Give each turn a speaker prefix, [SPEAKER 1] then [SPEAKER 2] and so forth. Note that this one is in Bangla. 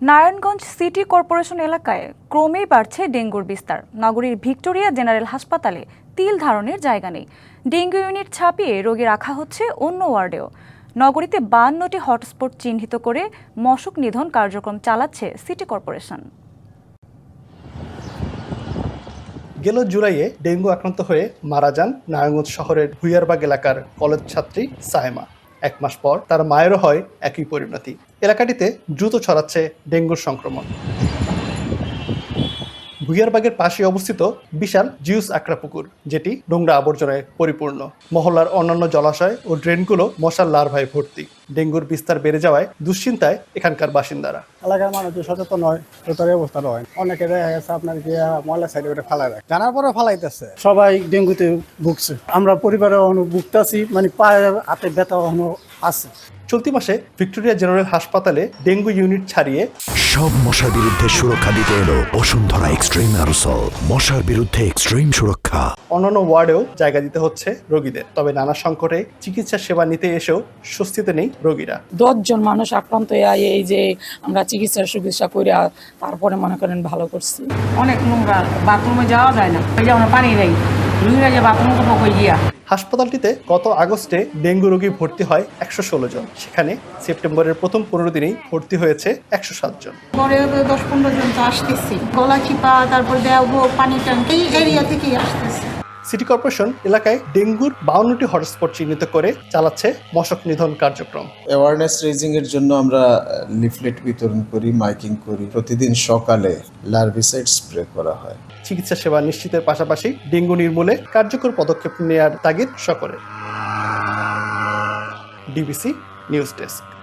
[SPEAKER 1] নারায়ণগঞ্জ সিটি কর্পোরেশন এলাকায় ক্রমেই বাড়ছে ডেঙ্গুর বিস্তার। নগরীর ভিক্টোরিয়া জেনারেল হাসপাতালে তিল ধারণের জায়গা নেই। ডেঙ্গু ইউনিট ছাপিয়ে রোগী রাখা হচ্ছে অন্য ওয়ার্ডেও। নগরীতে 52টি হটস্পট চিহ্নিত করে মশক নিধন কার্যক্রম চালাচ্ছে সিটি কর্পোরেশন।
[SPEAKER 2] গেল জুলাইয়ে ডেঙ্গু আক্রান্ত হয়ে মারা যান নারায়ণগঞ্জ শহরের ভুইয়ারবাগ এলাকার কলেজ ছাত্রী সাহেমা। 1 মাস পর তার মায়েরও হয় একই পরিণতি। এলাকাটিতে দ্রুত ছড়াচ্ছে ডেঙ্গুর সংক্রমণ। ভুইয়ারবাগের পাশে অবস্থিত বিশাল জিউস আকরা পুকুর, যেটি নোংরা আবর্জনায় পরিপূর্ণ। মহল্লার অন্যান্য জলাশয় ও ড্রেনগুলো মশার লার্ভায় ভর্তি। ডেঙ্গুর বিস্তার বেড়ে যাওয়ায় দুশ্চিন্তায় এখানকার বাসিন্দারা।
[SPEAKER 3] এলাকার মানুষ সচেতন নয়, তার অবস্থা নয়। অনেকে দেখা গেছে আপনার গিয়ে ময়লা সাইডে করে ফালাই রাখে, জানার পরে ফালাইতেছে। সবাই ডেঙ্গুতে ভুগছে, আমরা পরিবারে ভুগতেছি, মানে পায়ে হাতে ব্যথা আছে।
[SPEAKER 2] চলতি মাসে ভিক্টোরিয়া জেনারেল হাসপাতালে ডেঙ্গু ইউনিট ছাড়িয়ে
[SPEAKER 4] সব মশার বিরুদ্ধে সুরক্ষা দিতে এলো বসুন্ধরা এক্সট্রিম অ্যারোসল, মশার বিরুদ্ধে এক্সট্রিম সুরক্ষা।
[SPEAKER 2] অন্যান্য ওয়ার্ডেও জায়গা দিতে হচ্ছে রোগীদের। তবে নানা সংকটে চিকিৎসা সেবা নিতে এসেও স্বস্তিতে নেই রোগীরা।
[SPEAKER 5] 10 জন মানুষ আক্রান্ত হয়ে এই যে আমরা চিকিৎসার চিকিৎসা করে তারপরে মনে করেন ভালো করছি।
[SPEAKER 6] অনেক নোংরা, বাথরুমে যাওয়া যায় না, আমরা পানি নেই, রোগীরা যে বাথরুম করবো গিয়া।
[SPEAKER 2] হাসপাতালটিতে গত আগস্টে ডেঙ্গু রোগী ভর্তি হয় 116 জন। সেখানে সেপ্টেম্বরের প্রথম 15 দিনেই ভর্তি হয়েছে 107 জন।
[SPEAKER 7] পরে 10-15 জন তো আসতেছি, গলা চিপা, তারপর দেওয়া পানি ট্যাঙ্ক, এই এরিয়া থেকেই আসতেছে।
[SPEAKER 2] সিটি কর্পোরেশন এলাকায় ডেঙ্গুর 52টি হটস্পট চিহ্নিত করে চালাচ্ছে মশক নিধন কার্যক্রম।
[SPEAKER 8] অ্যাওয়ারনেস রেজিং এর জন্য আমরা লিফলেট বিতরণ করি, মাইকিং করি। প্রতিদিন সকালে লার্ভিসাইড স্প্রে করা হয়।
[SPEAKER 2] চিকিৎসা সেবা নিশ্চিতের পাশাপাশি ডেঙ্গু নির্মূলে কার্যকর পদক্ষেপ নেওয়ার তাগিদ সকলের। DBC news desk.